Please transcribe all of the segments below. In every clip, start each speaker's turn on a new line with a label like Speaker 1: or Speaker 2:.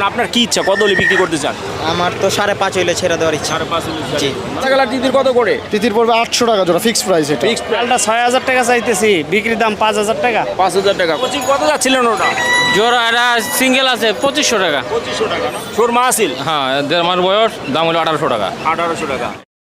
Speaker 1: আপনার কি ইচ্ছা, কত হলে বিক্রি করতে চান?
Speaker 2: আমার তো 5.5 হইলে ছেড়ে দেওয়ার ইচ্ছা।
Speaker 1: 5.5
Speaker 2: জি।
Speaker 1: সাদা কালার তিতির কত করে?
Speaker 3: তিতির পড়বে 800 টাকা জোড়া, ফিক্সড প্রাইস এটা।
Speaker 1: ফিক্সড
Speaker 4: লালটা 6,000 টাকা চাইতেছি, বিক্রির দাম 5,000 টাকা।
Speaker 1: 5,000 টাকা। কোচিং কত যাচ্ছিলেন ওটা?
Speaker 5: জোড়া এটা সিঙ্গেল আছে 2500 টাকা।
Speaker 1: 2500 টাকা না? সুরমা আসিল
Speaker 5: হ্যাঁ, 1.5 মাস বয়স, দাম হলো 1800 টাকা।
Speaker 1: 1800 টাকা।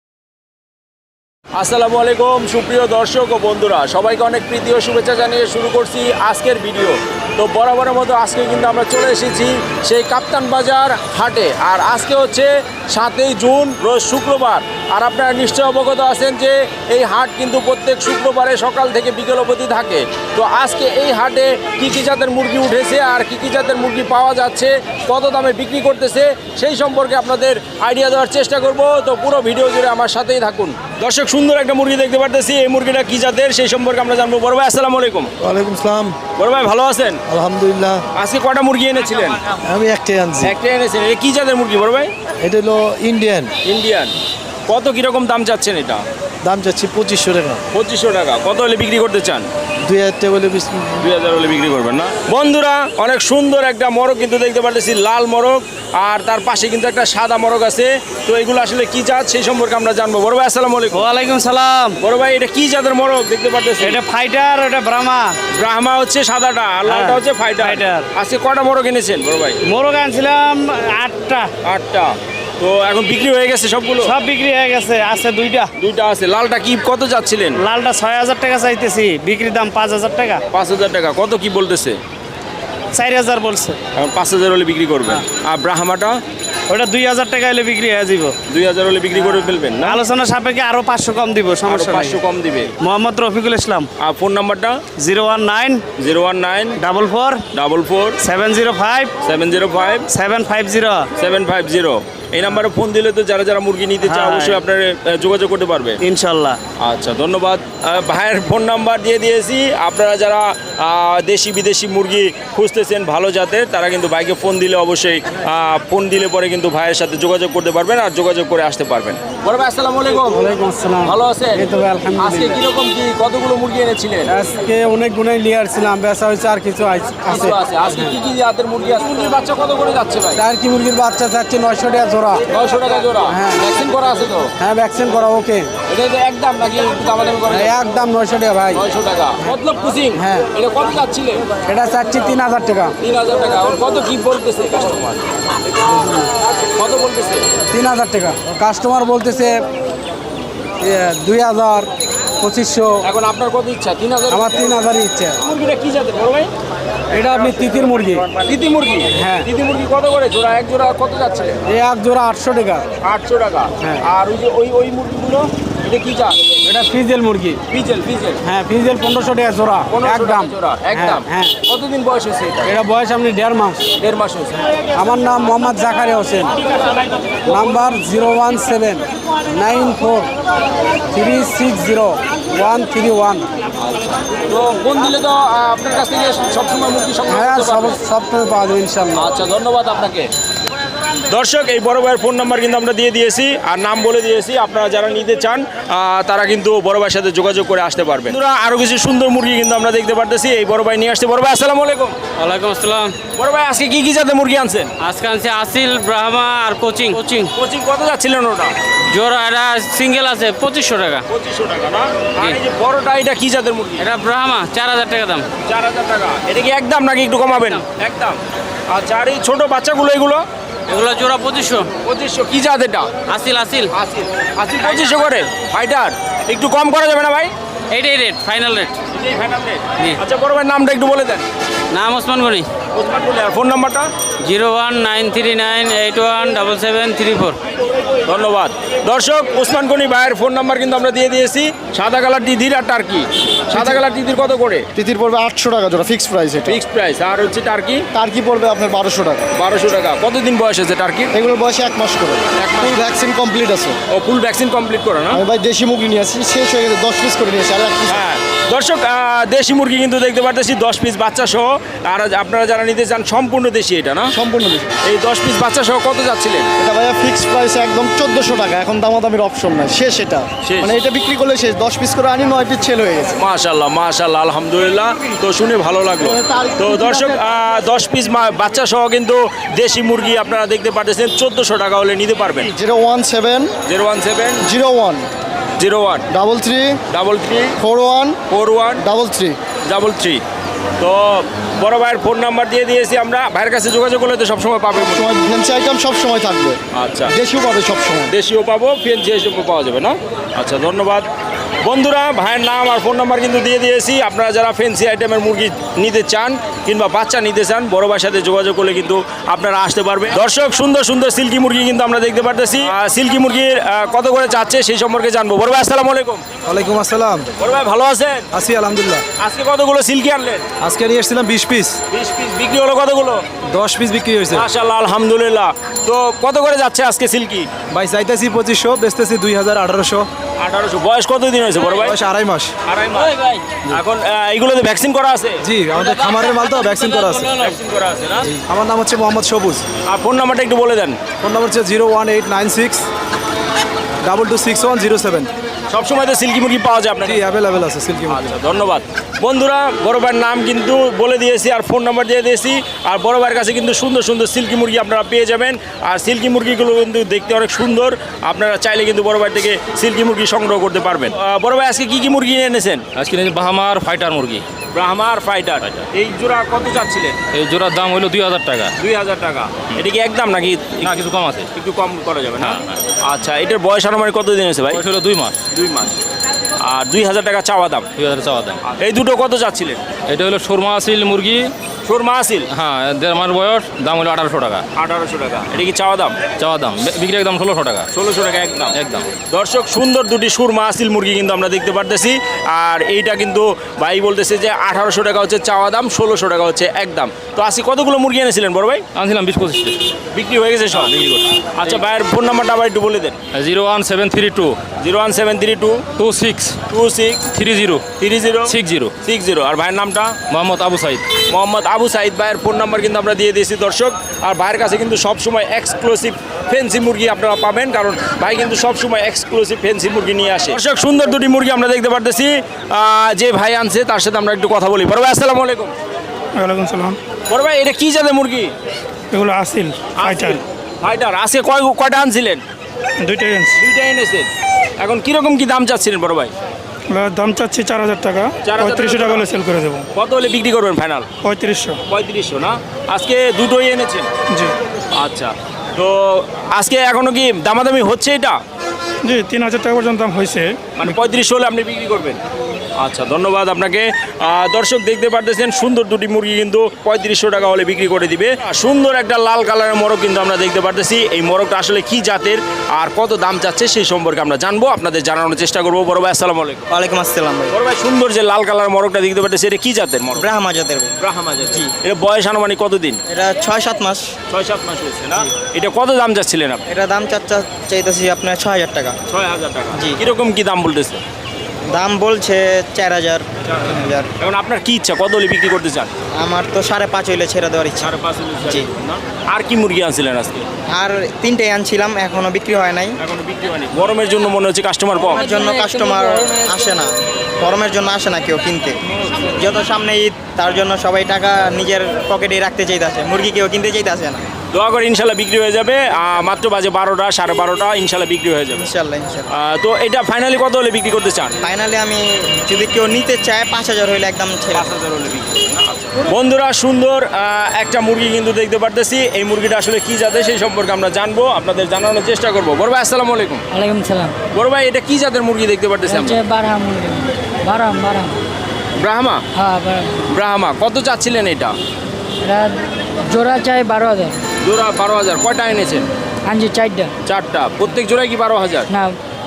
Speaker 1: আসসালামু আলাইকুম সুপ্রিয় দর্শক ও বন্ধুরা, সবাইকে অনেক প্রীতি ও শুভেচ্ছা জানিয়ে শুরু করছি আজকের ভিডিও। তো বরাবরের মতো আজকে কিন্তু আমরা চলে এসেছি সেই কাপ্তান বাজার হাটে। আর আজকে হচ্ছে 7ই জুন, রোজ শুক্রবার। আর আপনারা নিশ্চয় অবগত আছেন যে এই হাট কিন্তু প্রত্যেক শুক্রবারে সকাল থেকে বিকেল অবধি থাকে। তো আজকে এই হাটে কী কী জাতের মুরগি উঠেছে আর কী কী জাতের মুরগি পাওয়া যাচ্ছে, কত দামে বিক্রি করতেছে, সেই সম্পর্কে আপনাদের আইডিয়া দেওয়ার চেষ্টা করব। তো পুরো ভিডিও জুড়ে আমার সাথেই থাকুন। দর্শক, সুন্দর একটা মুরগি দেখতে পারতেছি, এই মুরগিটা কী জাতের সেই সম্পর্কে আমরা জানবো। বড় ভাই আসসালামু আলাইকুম।
Speaker 3: ওয়ালাইকুম আসসালাম।
Speaker 1: বড় ভাই ভালো আছেন?
Speaker 3: আলহামদুলিল্লাহ।
Speaker 1: আজকে কটা মুরগি এনেছিলেন?
Speaker 3: আমি একটাই আনছি।
Speaker 1: একটা এনেছেন। এটা কী জাতের মুরগি বড় ভাই?
Speaker 3: এটা হলো ইন্ডিয়ান।
Speaker 1: ইন্ডিয়ান। কত কীরকম দাম চাচ্ছেন এটা?
Speaker 3: দাম চাচ্ছি 2500 টাকা।
Speaker 1: 2500 টাকা। কত হলে বিক্রি করতে চান?
Speaker 3: 2000 টাকা বলে
Speaker 1: 2000 হলে বিক্রি করবেন না? বন্ধুরা, অনেক সুন্দর একটা মোরগ কিন্তু দেখতে পারতেছি, লাল মোরগ, আর তার পাশে কিন্তু একটা সাদা মোরগ আছে। তো এগুলো আসলে কি জাত সেই সম্পর্কে আমরা জানবো। বড় ভাই আসসালামু আলাইকুম।
Speaker 4: ওয়ালাইকুম সালাম।
Speaker 1: বড় ভাই, এটা কি জাতের মোরগ দেখতে পারতেছি?
Speaker 4: এটা ফাইটার, এটা ব্রাহ্মা।
Speaker 1: ব্রাহ্মা হচ্ছে সাদাটা, আর লালটা হচ্ছে ফাইটার।
Speaker 4: ফাইটার।
Speaker 1: আজকে কটা মোরগ এনেছেন বড় ভাই?
Speaker 4: মোরগ আনছিলাম 8টা।
Speaker 1: 8টা। তো এখন বিক্রি হয়ে গেছে সবগুলো?
Speaker 4: সব বিক্রি হয়ে গেছে, আছে 2টা।
Speaker 1: 2টা আছে। লালটা কি কত যাচ্ছিলেন?
Speaker 4: লালটা 6,000 টাকা চাইতেছি, বিক্রির দাম 5,000 টাকা।
Speaker 1: 5,000 টাকা। কত কি বলতেছে?
Speaker 4: 4,000 বলছে।
Speaker 1: এখন 5,000 হলে বিক্রি করবেন। আর ব্রাহ্মাটা?
Speaker 4: ওটা 2,000 টাকা হলে বিক্রি হয়ে যাব।
Speaker 1: 2,000 হলে বিক্রি করে ফেলবেন না?
Speaker 4: আলোচনা সাপেক্ষে আরো 500 কম দিব,
Speaker 1: আরো
Speaker 4: সমস্যা নাই।
Speaker 1: 500 কম দিবে।
Speaker 4: মোহাম্মদ রফিকুল ইসলাম।
Speaker 1: আর ফোন নাম্বারটা?
Speaker 4: 019
Speaker 1: 019
Speaker 4: 44
Speaker 1: 44
Speaker 4: 705
Speaker 1: 705
Speaker 4: 750।
Speaker 1: 750। এই নাম্বারে ফোন দিলে তো যারা যারা মুরগি নিতে চায়
Speaker 4: হ্যাঁ।
Speaker 1: অবশ্যই আপনার যোগাযোগ করতে পারবে
Speaker 4: ইনশাল্লাহ।
Speaker 1: আচ্ছা, ধন্যবাদ। ভাইয়ের ফোন নাম্বার দিয়ে দিয়েছি। আপনারা যারা দেশি বিদেশি মুরগি খুঁজতেছেন ভালো জাতের, তারা কিন্তু ভাইকে ফোন দিলে অবশ্যই ফোন দিলে পরে কিন্তু ভাইয়ের সাথে যোগাযোগ করতে পারবেন আর যোগাযোগ করে আসতে পারবেন। বড় ভাই আসসালামু আলাইকুম।
Speaker 4: ওয়ালাইকুম আসসালাম।
Speaker 1: ভালো আছেন?
Speaker 4: এই তো ভাই, আলহামদুলিল্লাহ।
Speaker 1: আজকে কিরকম কি কতগুলো মুরগি এনেছিলেন?
Speaker 4: আজকে অনেক গুণাই নিয়ে আসছিলাম, বেচা হয়েছে আর কিছু আছে।
Speaker 1: কিছু আছে। আজকে কি কি জাতের মুরগি আছে? মুরগির বাচ্চা কত করে যাচ্ছে ভাই?
Speaker 4: টার্কি মুরগির বাচ্চা চাচ্ছি 900 টাকা জোড়া।
Speaker 1: 900 টাকা জোড়া।
Speaker 4: হ্যাঁ।
Speaker 1: ভ্যাকসিন করা আছে তো?
Speaker 4: হ্যাঁ, ভ্যাকসিন করা ওকে।
Speaker 1: এটা তো একদম নাকি দামাদামি করে?
Speaker 4: একদম 900 টাকা ভাই।
Speaker 1: 900 টাকা। মতলব কুচিং?
Speaker 4: হ্যাঁ।
Speaker 1: এটা কত যাচ্ছিলেন?
Speaker 4: এটা চাচ্ছি 3,000 টাকা।
Speaker 1: 3,000 টাকা। ওর কত কি বলতেছে কাস্টমার? কত বলতেছে?
Speaker 4: 3,000 টাকা। কাস্টমার বলতেছে 2,000, 2500।
Speaker 1: এখন আপনার কত ইচ্ছা? 3,000?
Speaker 4: আমার 3,000 ইচ্ছে।
Speaker 1: মুরগিটা কি জাতের বড় ভাই?
Speaker 4: এটা আপনি তিতির মুরগি।
Speaker 1: তিতি মুরগি?
Speaker 4: হ্যাঁ।
Speaker 1: তিতি মুরগি কত করে জোড়া? এক জোড়া কত যাচ্ছে?
Speaker 4: এই এক জোড়া 800 টাকা।
Speaker 1: 800 টাকা।
Speaker 4: হ্যাঁ।
Speaker 1: আর ওই যে ওই মুরগিগুলো, এটা কি জাত?
Speaker 4: এটা ফিজেল মুরগি।
Speaker 1: ফিজেল?
Speaker 4: হ্যাঁ, ফিজেল 1500 টাকা জোড়া।
Speaker 1: 1500
Speaker 4: একদম
Speaker 1: টাকা জোড়া একদম?
Speaker 4: হ্যাঁ।
Speaker 1: কতদিন বয়স হয়েছে এটা?
Speaker 4: এটা বয়স আপনি 1.5 মাস।
Speaker 1: 1.5 মাস হয়েছে।
Speaker 4: আমার নাম মোহাম্মদ জাকারিয়া হোসেন। নাম্বার 01794360131।
Speaker 1: তো ফোন দিলে তো আপনার কাছ থেকে সবসময় মুরগি সংগ্রহ
Speaker 4: হ্যাঁ,
Speaker 1: করতে পারবো?
Speaker 4: সব সময় পাওয়া যাবে ইনশাল্লাহ।
Speaker 1: আচ্ছা, ধন্যবাদ আপনাকে। দর্শক, এই বড় ভাইয়ের ফোন নাম্বার কিন্তু আমরা দিয়ে দিয়েছি আর নাম বলে দিয়েছি। আপনারা যারা নিতে চান তারা কিন্তু বড় ভাইয়ের সাথে যোগাযোগ করে আসতে পারবেন। বন্ধুরা, আরো কিছু সুন্দর মুরগি কিন্তু আমরা দেখতে পারতেছি। এই বড় ভাই নিয়ে আসছে। বড় ভাই আসসালামু আলাইকুম।
Speaker 5: ওয়ালাইকুম আসসালাম।
Speaker 1: বড় ভাই, আজকে কি কি জাতের মুরগি আনছেন?
Speaker 5: আজকে আনছি আসিল, ব্রাহ্মা আর কোচিং।
Speaker 1: কোচিং কত যাচ্ছিলেন ওটা?
Speaker 5: জোড়া এটা সিঙ্গেল আছে 2500 টাকা।
Speaker 1: 2500 টাকা না? আর এই যে বড়টা, এটা কি জাতের মুরগি?
Speaker 5: এটা ব্রাহ্মা 4,000 টাকা দাম।
Speaker 1: 4,000 টাকা। এটা কি একদম নাকি একটু কমাবেন? একদম। আচ্ছা, আর এই ছোট বাচ্চাগুলো এগুলো?
Speaker 5: এগুলো জোড়া 2500।
Speaker 1: 2500। কি জাত এটা?
Speaker 5: আসিল আসিল।
Speaker 1: 2500 করে। ফাইটার একটু কম করা যাবে না ভাই?
Speaker 5: এইটাই রেট, ফাইনাল রেট।
Speaker 1: এটাই ফাইনাল রেট?
Speaker 5: জি।
Speaker 1: আচ্ছা, বড় ভাইয়ের নামটা একটু বলে দেন।
Speaker 5: নাম ওসমান গনি।
Speaker 1: ওসমান বলে। আর ফোন নাম্বারটা?
Speaker 5: 01939817734।
Speaker 1: ধন্যবাদ। দর্শক, ওসমান গনি ভাইয়ের ফোন নাম্বার কিন্তু আমরা দিয়ে দিয়েছি। সাদা কালার তিতির আর টার্কি। সাদা কালার তিতির কত করে?
Speaker 3: তিতির পড়বে 800 টাকা জোড়া, ফিক্সড প্রাইস এটা।
Speaker 1: Fixed price. আর হচ্ছে টার্কি?
Speaker 3: টার্কি পড়বে আপনার 1200 টাকা।
Speaker 1: 1200 টাকা। কতদিন বয়স আছে টার্কির?
Speaker 3: এগুলোর বয়সে 1 মাস করে।
Speaker 1: এক মাস।
Speaker 3: ফুল ভ্যাকসিন কমপ্লিট আছে।
Speaker 1: ও, ফুল ভ্যাকসিন কমপ্লিট করে না?
Speaker 3: আমি ভাই দেশি মুরগি নিয়ে আসি, শেষ হয়ে গেছে, 10 পিস করে নিয়ে আসি। আর 1 পিস
Speaker 1: হ্যাঁ, দর্শক দেশি মুরগি কিন্তু দেখতে পারতেছি 10 পিস বাচ্চা সহ। আর আপনারা যারা নিতে চান সম্পূর্ণ দেশি এটা না,
Speaker 3: সম্পূর্ণ দেশি।
Speaker 1: এই 10 পিস বাচ্চা সহ কত যাচ্ছিলেন?
Speaker 3: এটা ভাইয়া ফিক্স প্রাইস একদম 1400 টাকা। এখন দামাদামির অপশন নাই, শেষ এটা।
Speaker 1: শেষ।
Speaker 3: মানে এটা বিক্রি করলে শেষ। 10 পিস করে আনি, 9 পিস সেল হয়ে গেছে।
Speaker 1: মাশাআল্লাহ মাশাআল্লাহ, আলহামদুলিল্লাহ। তো শুনে ভালো লাগলো। তো দর্শক 10 পিস বাচ্চা সহ কিন্তু দেশি মুরগি আপনারা দেখতে পারতেছেন 1400 টাকা হলে নিতে পারবেন।
Speaker 3: 017
Speaker 1: 017
Speaker 3: 01
Speaker 1: 01
Speaker 3: 33
Speaker 1: 33
Speaker 3: 41
Speaker 1: 41
Speaker 3: 33।
Speaker 1: 33। তো বড় ভাইয়ের ফোন নাম্বার দিয়ে দিয়েছি আমরা, ভাইয়ের কাছে যোগাযোগ করলে তো সবসময় পাবে।
Speaker 3: সময় ফ্যান্সি আইটেম সব সময় থাকবে।
Speaker 1: আচ্ছা,
Speaker 3: দেশিও পাবে সব সময়।
Speaker 1: দেশিও পাবো, ফেন্সি হিসেবে পাওয়া যাবে না? আচ্ছা, ধন্যবাদ বন্ধুরা। ভাইয়ের নাম আর ফোন নাম্বার কিন্তু দিয়ে দিয়েছি। আপনারা যারা ফেন্সি আইটেমের মুরগি নিতে চান কিংবা বাচ্চা নিতে চান, বড় ভাইয়ের সাথে যোগাযোগ করলে কিন্তু আপনারা আসতে পারবেন। দর্শক সুন্দর সুন্দর সিল্কি মুরগি কিন্তু আমরা দেখতে পারতেছি। সিল্কি মুরগির কত করে চাচ্ছে সেই সম্পর্কে জানবো। বড় ভাই আসসালামু আলাইকুম।
Speaker 4: ওয়ালাইকুম আসসালাম।
Speaker 1: বড় ভাই ভালো আছেন?
Speaker 4: আছি আলহামদুলিল্লাহ।
Speaker 1: আজকে কতগুলো সিল্কি আনলেন?
Speaker 4: আজকে নিয়ে এসেছিলাম 20 পিস,
Speaker 1: 20 পিস। বিক্রি হলো কতগুলো?
Speaker 4: 10 পিস বিক্রি হয়েছে।
Speaker 1: মাশাআল্লাহ, আলহামদুলিল্লাহ। তো কত করে যাচ্ছে আজকে সিল্কি?
Speaker 4: ভাই চাইতেছি 2500, বেচতেছি 2000, 1800।
Speaker 1: 1800। বয়স কতদিন হয়েছে বড় ভাই?
Speaker 4: বয়স 2.5 মাস।
Speaker 1: আড়াই মাস। এখন এইগুলোতে ভ্যাকসিন করা আছে?
Speaker 4: জি, আমাদের খামারের মাল তো, ভ্যাকসিন করা আছে।
Speaker 1: ভ্যাকসিন করা আছে না?
Speaker 4: আমার নাম হচ্ছে মোহাম্মদ সবুজ।
Speaker 1: আর ফোন নাম্বারটা একটু বলে দেন।
Speaker 4: ফোন নাম্বার হচ্ছে 01896 226107।
Speaker 1: সবসময় তো সিল্কি মুরগি পাওয়া যায় আপনার
Speaker 4: জি, অ্যাভেলেবেল আছে সিল্কি মুরগি।
Speaker 1: আচ্ছা, ধন্যবাদ বন্ধুরা। বড় ভাইয়ের নাম কিন্তু বলে দিয়েছি আর ফোন নাম্বার দিয়ে দিয়েছি। আর বড় ভাইয়ের কাছে কিন্তু সুন্দর সুন্দর সিল্কি মুরগি আপনারা পেয়ে যাবেন। আর সিল্কি মুরগিগুলো কিন্তু দেখতে অনেক সুন্দর। আপনারা চাইলে কিন্তু বড় ভাই থেকে সিল্কি মুরগি সংগ্রহ করতে পারবেন। বড় ভাই আজকে কি কি মুরগি এনেছেন?
Speaker 6: আজকে নিয়েছি বাহামার ফাইটার মুরগি।
Speaker 1: ব্রাহ্মার ফাইটার। এই জোড়া কত চাচ্ছিলেন?
Speaker 6: এই জোড়ার দাম হলো 2000 টাকা।
Speaker 1: 2000 টাকা। এটা কি একদম নাকি
Speaker 6: না, কিছু কম আছে।
Speaker 1: একটু কম করা যাবে না?
Speaker 6: হ্যাঁ।
Speaker 1: আচ্ছা, এটার বয়স আনুমানিক কতদিন হয়েছে ভাই?
Speaker 6: বয়স হলো 2 মাস।
Speaker 1: 2 মাস। আর 2000 টাকা চাওয়া দাম।
Speaker 6: 2000 চাওয়া দাম।
Speaker 1: এই দুটো কত চাচ্ছিলেন?
Speaker 6: এটা হলো সুরমা আসিল মুরগি।
Speaker 1: সুরমা আসিল।
Speaker 6: হ্যাঁ, 1.5 মাস বয়স, দাম হলো 1800 টাকা।
Speaker 1: 1800 টাকা। এটা কি চাওয়া দাম?
Speaker 6: চাওয়া দাম। বিক্রি একদম 1600 টাকা।
Speaker 1: 1600 টাকা একদম।
Speaker 6: একদম।
Speaker 1: দর্শক সুন্দর দুটি সুরমা আসিল মুরগি কিন্তু আমরা দেখতে পারতেছি। আর এইটা কিন্তু ভাই বলতেছে যে 1800 টাকা হচ্ছে চাওয়া দাম, 1600 টাকা হচ্ছে একদম। তো আজকে কতগুলো মুরগি এনেছিলেন বড় ভাই?
Speaker 6: আনছিলাম 20-25 পিস।
Speaker 1: বিক্রি হয়ে গেছে সব?
Speaker 6: বিক্রি করছি।
Speaker 1: আচ্ছা, ভাইয়ের ফোন নাম্বারটা আবার একটু বলে দেন।
Speaker 6: 01732
Speaker 1: 01732
Speaker 6: 26
Speaker 1: 26
Speaker 6: 30
Speaker 1: 30
Speaker 6: 60
Speaker 1: 60। আর ভাইয়ের নামটা?
Speaker 6: মোহাম্মদ আবু সাইদ।
Speaker 1: মোহাম্মদ আবু সাইদ। ভাইয়ের ফোন নাম্বার কিন্তু আমরা দিয়ে দিয়েছি দর্শক। আর ভাইয়ের কাছে কিন্তু সবসময় এক্সক্লুসিভ ফেন্সি মুরগি আপনারা পাবেন, কারণ ভাই কিন্তু সবসময় এক্সক্লুসিভ ফেন্সি মুরগি নিয়ে আসে। দর্শক সুন্দর দুটি মুরগি আমরা দেখতে পারতেছি। যে ভাই আনছে তার সাথে আমরা একটু কথা বলি। বড় ভাই আসসালামু আলাইকুম।
Speaker 7: ওয়ালাইকুম সালাম।
Speaker 1: বড় ভাই এটা কি জাতের মুরগি?
Speaker 7: এগুলো আসিল ফাইটার।
Speaker 1: ফাইটার। আজকে কয়টা আনছিলেন?
Speaker 7: 2টা ইঞ্চ।
Speaker 1: 2টা এনেছেন। এখন কিরকম কি দাম চাচ্ছিলেন বড় ভাই?
Speaker 7: এগুলোর দাম চাচ্ছি 4000 টাকা।
Speaker 1: 4000
Speaker 7: 3500 টাকা হলে সেল করে দেবো।
Speaker 1: কত হলে বিক্রি করবেন ফাইনাল?
Speaker 7: 3500।
Speaker 1: 3500 না? আজকে দুটোই এনেছেন?
Speaker 7: জি
Speaker 1: আচ্ছা, তো আজকে এখনো কি দামাদামি হচ্ছে এটা?
Speaker 7: জি, 3000 টাকা পর্যন্ত দাম হয়েছে।
Speaker 1: মানে 3500 হলে আপনি বিক্রি করবেন? আচ্ছা, ধন্যবাদ আপনাকে। দর্শক দেখতে পারতেছেন সুন্দর দুটি মুরগি কিন্তু 3500 টাকা হলে বিক্রি করে দিবে। সুন্দর একটা লাল কালারের মোরগ কিন্তু আমরা দেখতে পারতেছি। এই মোরগটা আসলে কি জাতের আর কত দাম চাচ্ছে সেই সম্পর্কে আমরা জানবো, আপনাদের জানানোর চেষ্টা করবো। বড় ভাই আসসালামু আলাইকুম।
Speaker 2: ওয়ালাইকুম আসসালাম ভাই।
Speaker 1: বড় ভাই সুন্দর যে লাল কালার মোরগটা দেখতে পারতেছি, এটা কি জাতের মোরগ?
Speaker 2: ব্রাহ্মা জাতের ভাই।
Speaker 1: ব্রাহ্মা জাত। এটা বয়স আনুমানিক কতদিন?
Speaker 2: এটা 6-7 মাস।
Speaker 1: 6-7 মাস হয়েছে না? এটা কত দাম চাচ্ছিলেন আপনি?
Speaker 2: এটা দাম চাইতেছি আপনার 6000 টাকা।
Speaker 1: 6000 টাকা।
Speaker 2: জি।
Speaker 1: কিরকম কি দাম বলতেছে?
Speaker 2: দাম বলছে 4000।
Speaker 1: এখন আপনার কি ইচ্ছা, কত হলে বিক্রি করতে চান?
Speaker 2: আমার তো 5.5 হইলে ছেড়ে দেওয়ার ইচ্ছা।
Speaker 1: 5.5
Speaker 2: জি।
Speaker 1: আর কি মুরগি আনছিলেন আজকে?
Speaker 2: আর 3টাই আনছিলাম, এখনো বিক্রি হয় নাই।
Speaker 1: এখনো বিক্রি হয়নি। গরমের জন্য মনে হচ্ছে কাস্টমার কম।
Speaker 2: গরমের জন্য কাস্টমার আসে না, গরমের জন্য আসে না কেউ কিনতে। যত সামনে ঈদ, তার জন্য সবাই টাকা নিজের পকেটে রাখতে চাইতেছে, মুরগি কেউ কিনতে চাইতেছে না।
Speaker 1: দোয়া করে ইনশাল্লাহ বিক্রি হয়ে যাবে। মাত্র বাজে 12টা 12:30, ইনশাল্লাহ বিক্রি হয়ে যাবে।
Speaker 2: ইনশাল্লাহ ইনশাল্লাহ।
Speaker 1: তো এটা ফাইনালি কত হলে বিক্রি করতে চান?
Speaker 2: ফাইনালি আমি যদি কেউ নিতে চায় 5000 হইলে একদম ছেড়ে দেব।
Speaker 1: 5000 হলে বিক্রি। বন্ধুরা সুন্দর একটা মুরগি কিন্তু দেখতে পারতেছি। এই মুরগিটা আসলে কি জাতের সেই সম্পর্কে আমরা জানবো, আপনাদের জানানোর চেষ্টা করবো। বড় ভাই আসসালামু আলাইকুম।
Speaker 8: ওয়ালাইকুম সালাম।
Speaker 1: বড় ভাই এটা কি জাতের মুরগি দেখতে পারতেছি আমরা?
Speaker 8: হচ্ছে বারহাম মুরগি। বারহাম।
Speaker 1: ব্রাহ্মা।
Speaker 8: হ্যাঁ, বারহাম।
Speaker 1: ব্রাহ্মা কত চাচ্ছিলেন এটা?
Speaker 8: এটা জোড়া চাই 12000।
Speaker 1: জোড়া 12000। কয়টা এনেছেন?
Speaker 8: আনছি 4টা।
Speaker 1: 4টা। প্রত্যেক জোড়ায় কি 12000?
Speaker 8: না,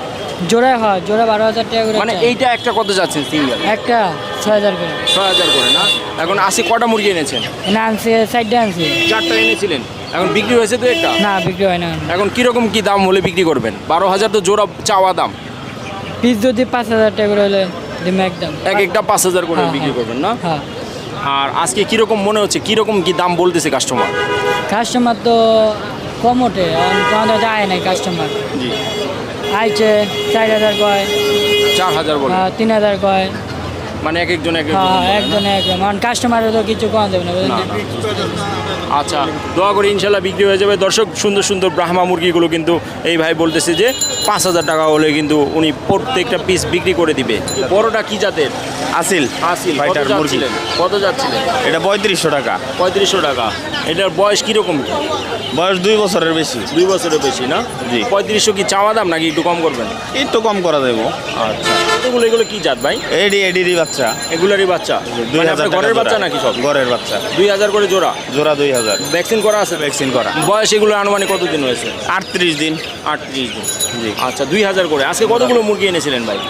Speaker 8: জোড়া হয়, জোড়া 12000 টাকা করে।
Speaker 1: মানে
Speaker 8: চাই।
Speaker 1: এইটা একটা কত যাচ্ছেন সিঙ্গেল?
Speaker 8: একটা 6000 করে।
Speaker 1: 6000 করে না? এখন আশি কটা মুরগি এনেছেন?
Speaker 8: না, আনছি 4টা আনছি।
Speaker 1: 4টা এনেছিলেন। এখন বিক্রি হয়েছে তো একটা?
Speaker 8: না, বিক্রি হয় না।
Speaker 1: এখন কিরকম কি দাম হলে বিক্রি করবেন? 12000 তো জোড়া চাওয়া দাম।
Speaker 8: পিস যদি 5000 টাকা করে হলে ডিম একদম
Speaker 1: এক একটা 5,000 করে
Speaker 8: হ্যাঁ,
Speaker 1: বিক্রি
Speaker 8: হ্যাঁ।
Speaker 1: করবেন না?
Speaker 8: হ্যাঁ
Speaker 1: আর আজকে কিরকম মনে হচ্ছে, কিরকম কি দাম বলতেছে কাস্টমার?
Speaker 8: কাস্টমার তো কম ওঠে আমাদের যায় নাই কাস্টমার
Speaker 1: জি,
Speaker 8: আইছে 4,000 কয়
Speaker 1: 4,000 বলে,
Speaker 8: 3,000 কয়
Speaker 1: মানে এক একজন এক
Speaker 8: হ্যাঁ
Speaker 1: একজন।
Speaker 8: একজন একজন কারণ কাস্টমারের তো কিছু কম দেবে না বুঝলেন
Speaker 1: না, না। আচ্ছা, দোয়া করি ইনশাল্লাহ বিক্রি হয়ে যাবে। দর্শক, সুন্দর সুন্দর ব্রাহ্মা মুরগিগুলো কিন্তু এই ভাই বলতেছে যে 5,000 টাকা হলে কিন্তু উনি প্রত্যেকটা পিস বিক্রি করে দিবে। বড়টা কি জাতের?
Speaker 9: আসিল
Speaker 1: আসিল। কত
Speaker 9: ফাইটার মুরগি।
Speaker 1: যাচ্ছিলেন? কত যাচ্ছিলেন?
Speaker 9: এটা 3500 টাকা।
Speaker 1: 3500 টাকা। এটার বয়স কিরকম?
Speaker 9: বয়স 2 বছরের বেশি।
Speaker 1: 2 বছরের বেশি না?
Speaker 9: জি।
Speaker 1: 3500 কি চাওয়া দাম নাকি একটু কম করবেন?
Speaker 9: একটু কম করা দেবো।
Speaker 1: আচ্ছা, এগুলো কি জাত ভাই?
Speaker 9: এডি বাচ্চা।
Speaker 1: এগুলারই বাচ্চা? মানে
Speaker 9: 2000
Speaker 1: আপনার
Speaker 9: টাকা
Speaker 1: ঘরের
Speaker 9: জোড়া।
Speaker 1: বাচ্চা নাকি সব?
Speaker 9: ঘরের বাচ্চা।
Speaker 1: 2000 করে জোড়া?
Speaker 9: জোড়া 2000।
Speaker 1: ভ্যাকসিন করা আছে?
Speaker 9: ভ্যাকসিন করা।
Speaker 1: বয়স এগুলো আনুমানিক কতদিন হয়েছে?
Speaker 9: 38 দিন।
Speaker 1: 38 দিন।
Speaker 9: জি।
Speaker 1: আচ্ছা, 2000 করে। আজকে কতগুলো মুরগি এনেছিলেন ভাই?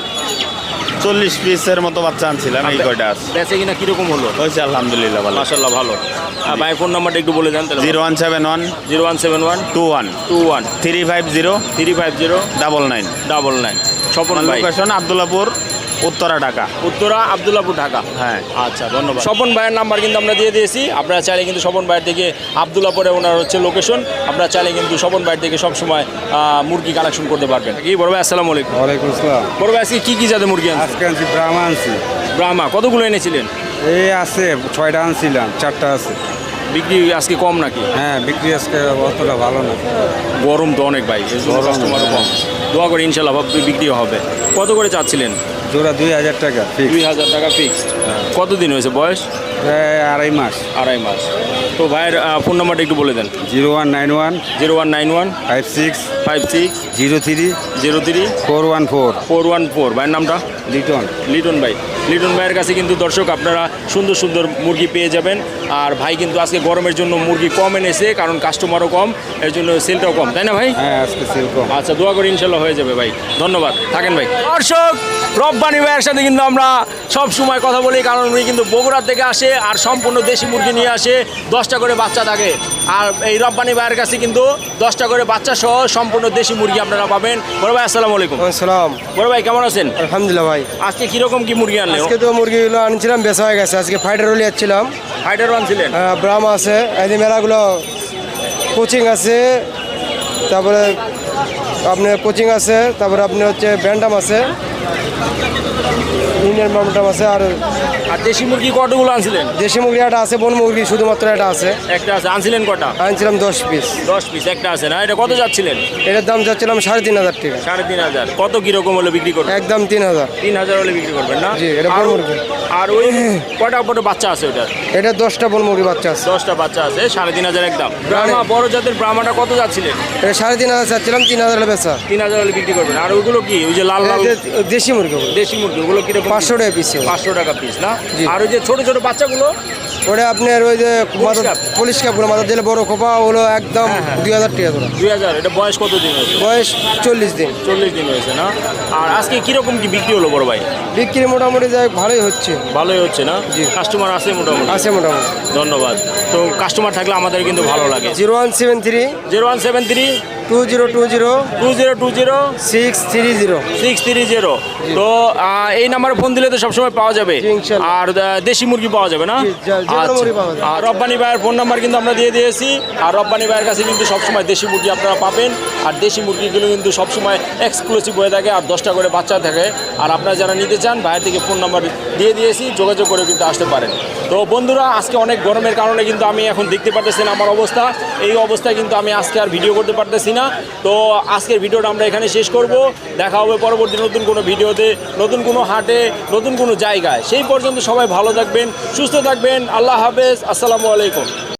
Speaker 9: 40 পিসের মতো বাচ্চা আনছিলাম, এই কয়টা আছে।
Speaker 1: বেচে কিনা কিরকম হলো?
Speaker 9: হয়েছে আলহামদুলিল্লাহ ভালো।
Speaker 1: মাশাআল্লাহ, ভালো। আর ভাই ফোন নাম্বারটা একটু বলে দেন তাহলে।
Speaker 9: 0171
Speaker 1: 0171
Speaker 9: 21
Speaker 1: 21
Speaker 9: 350
Speaker 1: 350
Speaker 9: 99।
Speaker 1: 99। স্বপন ভাই,
Speaker 9: লোকেশন আব্দুল্লাহপুর, উত্তরা, ঢাকা।
Speaker 1: উত্তরা আব্দুল্লাহপুর, ঢাকা।
Speaker 9: হ্যাঁ।
Speaker 1: আচ্ছা, ধন্যবাদ। স্বপন ভাইয়ের নাম্বার কিন্তু আমরা দিয়ে দিয়েছি। আপনারা চাইলে কিন্তু স্বপন ভাইয়ের থেকে আব্দুল্লাহপুরে ওনার হচ্ছে লোকেশন, আপনারা চাইলে কিন্তু স্বপন ভাইয়ের থেকে সবসময় মুরগি কালেকশন করতে পারবেন। কি বড় ভাই, আসসালামু আলাইকুম।
Speaker 4: ওয়ালাইকুম আসসালাম।
Speaker 1: বড় ভাই, আজকে কি জাতের মুরগি আনছেন?
Speaker 4: আজকে আনছি ব্রাহ্মা আনছি।
Speaker 1: ব্রাহ্মা কতগুলো এনেছিলেন?
Speaker 4: এই আছে 6টা আনছিলাম, 4টা আছে।
Speaker 1: বিক্রি আজকে কম নাকি?
Speaker 4: হ্যাঁ বিক্রি আজকে অতটা ভালো না।
Speaker 1: গরম তো অনেক ভাই, এর জন্য
Speaker 4: গরম,
Speaker 1: কাস্টমারও কম। দোয়া করে ইনশাল্লাহ বিক্রি হবে। কত করে চাচ্ছিলেন?
Speaker 4: জোড়া 2000 টাকা ফিক্স।
Speaker 1: 2000 টাকা ফিক্সড। কতদিন হয়েছে বয়স?
Speaker 4: প্রায় 2.5 মাস।
Speaker 1: 2.5 মাস। তো ভাইয়ের ফোন নাম্বারটা একটু বলে দেন।
Speaker 4: 0191
Speaker 1: 0191
Speaker 4: 56
Speaker 1: 56
Speaker 4: 03
Speaker 1: 03
Speaker 4: 414
Speaker 1: 414। ভাইয়ের নামটা?
Speaker 4: লিটন।
Speaker 1: লিটন ভাই। লিটন ভাইয়ের কাছে কিন্তু দর্শক আপনারা সুন্দর সুন্দর মুরগি পেয়ে যাবেন। আর ভাই কিন্তু আজকে গরমের জন্য মুরগি কম এনেছে, কারণ কাস্টমারও কম, এর জন্য সেলটাও কম, তাই না ভাই?
Speaker 4: হ্যাঁ আজকে সেল কম।
Speaker 1: আচ্ছা, দোয়া করি ইনশাল্লাহ হয়ে যাবে ভাই। ধন্যবাদ, থাকেন ভাই। দর্শক, রব্বানি ভাইয়ের সাথে কিন্তু আমরা সব সময় কথা বলি, কারণ উনি কিন্তু বগুড়া থেকে আসে আর সম্পূর্ণ দেশি মুরগি নিয়ে আসে। 10টা করে বাচ্চা থাকে। আর এই রব্বানি ভাইয়ের কাছে কিন্তু 10টা করে বাচ্চা সহ সম্পূর্ণ দেশি মুরগি আপনারা পাবেন। বড় ভাই, আসসালামু আলাইকুম।
Speaker 3: সালাম।
Speaker 1: বড় ভাই, কেমন আছেন?
Speaker 3: আলহামদুলিল্লাহ ভাই।
Speaker 1: আজকে কিরকম কি মুরগি আনলেন?
Speaker 3: আজকে তো মুরগিগুলো আনছিলাম, বেচা হয়ে গেছে। আজকে ফাইটার রোলি যাচ্ছিলাম,
Speaker 1: ফাইটার আনছিলেন?
Speaker 3: ব্রাহ্মা আছে, এই মেলাগুলো কোচিং আছে, তারপরে আপনার কোচিং আছে, তারপরে আপনার হচ্ছে ব্যান্ডাম আছে, ইন্ডিয়ান ব্যান্ডাম আছে। আর
Speaker 1: আর দেশি মুরগি কতগুলো আনছিলেন?
Speaker 3: দেশি মুরগি একটা আছে, বন মুরগি শুধুমাত্র একটা আছে।
Speaker 1: একটা আছে। আনছিলেন কটা?
Speaker 3: আনছিলাম 10 পিস।
Speaker 1: 10 পিস। একটা আছে না? এটা কত যাচ্ছিলেন?
Speaker 3: এটার দাম চাচ্ছিলাম 3,500 টাকা।
Speaker 1: 3,500। কত কিরকম হলে বিক্রি করবেন?
Speaker 3: একদম 3,000।
Speaker 1: 3,000 হলে বিক্রি করবেন না?
Speaker 3: জি, এটা বড় মুরগি।
Speaker 1: আর ওই কটা পরে বাচ্চা আছে ওটার?
Speaker 3: এটা 10টা বন মুরগি বাচ্চা আছে।
Speaker 1: 10টা বাচ্চা আছে। 3,500 একদম। ব্রাহ্মা, বড় জাতের ব্রাহ্মাটা কত যাচ্ছিলেন?
Speaker 3: এটা 3,500 চাচ্ছিলাম, 3,000 বেচা।
Speaker 1: 3,000 হলে বিক্রি করবেন। আর ওইগুলো কি, ওই যে লাল লাল
Speaker 3: দেশি মুরগি
Speaker 1: দেশি মুরগি, ওগুলো কিরকম?
Speaker 3: 500 টাকা পিস।
Speaker 1: 500 টাকা পিস না?
Speaker 3: জি।
Speaker 1: আর ওই যে ছোট ছোট বাচ্চাগুলো?
Speaker 3: ওটা আপনার ওই যে
Speaker 1: কাপ?
Speaker 3: পুলিশ কাপগুলো মাথা দিলে বড় খোপা, ওগুলো একদম 2,000 টাকা ধরো।
Speaker 1: 2000। এটা বয়স কত দিন হয়েছে?
Speaker 3: বয়স 40 দিন।
Speaker 1: 40 দিন হয়েছে না? আর আজকে কিরকম কি বিক্রি হলো বড় ভাই?
Speaker 3: বিক্রি মোটামুটি যাই ভালোই হচ্ছে।
Speaker 1: ভালোই হচ্ছে না?
Speaker 3: জি।
Speaker 1: কাস্টমার আছে মোটামুটি?
Speaker 3: আছে মোটামুটি।
Speaker 1: ধন্যবাদ। তো কাস্টমার থাকলে আমাদের কিন্তু ভালো লাগে।
Speaker 3: 0173
Speaker 1: 0173
Speaker 3: 2020
Speaker 1: 2020
Speaker 3: 630।
Speaker 1: 630। তো এই নাম্বারে ফোন দিলে তো সবসময় পাওয়া যাবে।
Speaker 3: জি, ইনশাল্লাহ।
Speaker 1: আর দেশি মুরগি পাওয়া যাবে না?
Speaker 3: জি, যে কোনো
Speaker 1: আচ্ছা।
Speaker 3: মুরগি পাওয়া যাবে।
Speaker 1: আর রব্বানি ভাইয়ের ফোন নাম্বার কিন্তু আমরা দিয়ে দিয়েছি। আর রব্বানি ভাইয়ের কাছে কিন্তু সবসময় দেশি মুরগি আপনারা পাবেন। আর দেশি মুরগিগুলো কিন্তু সবসময় এক্সক্লুসিভ হয়ে থাকে, আর 10টা করে বাচ্চা থাকে। আর আপনারা যারা নিতে চান, ভাইয়ের থেকে ফোন নাম্বার দিয়ে দিয়েছি, যোগাযোগ করে কিন্তু আসতে পারেন। তো বন্ধুরা, আজকে অনেক গরমের কারণে কিন্তু আমি এখন দেখতে পারতেছি না আমার অবস্থা। এই অবস্থায় কিন্তু আমি আজকে আর ভিডিও করতে পারতেছি না। তো আজকের ভিডিওটা আমরা এখানে শেষ করব। দেখা হবে পরবর্তী নতুন কোনো ভিডিওতে, নতুন কোনো হাটে, নতুন কোনো জায়গায়। সেই পর্যন্ত সবাই ভালো থাকবেন, সুস্থ থাকবেন। আল্লাহ হাফেজ। আসসালামু আলাইকুম।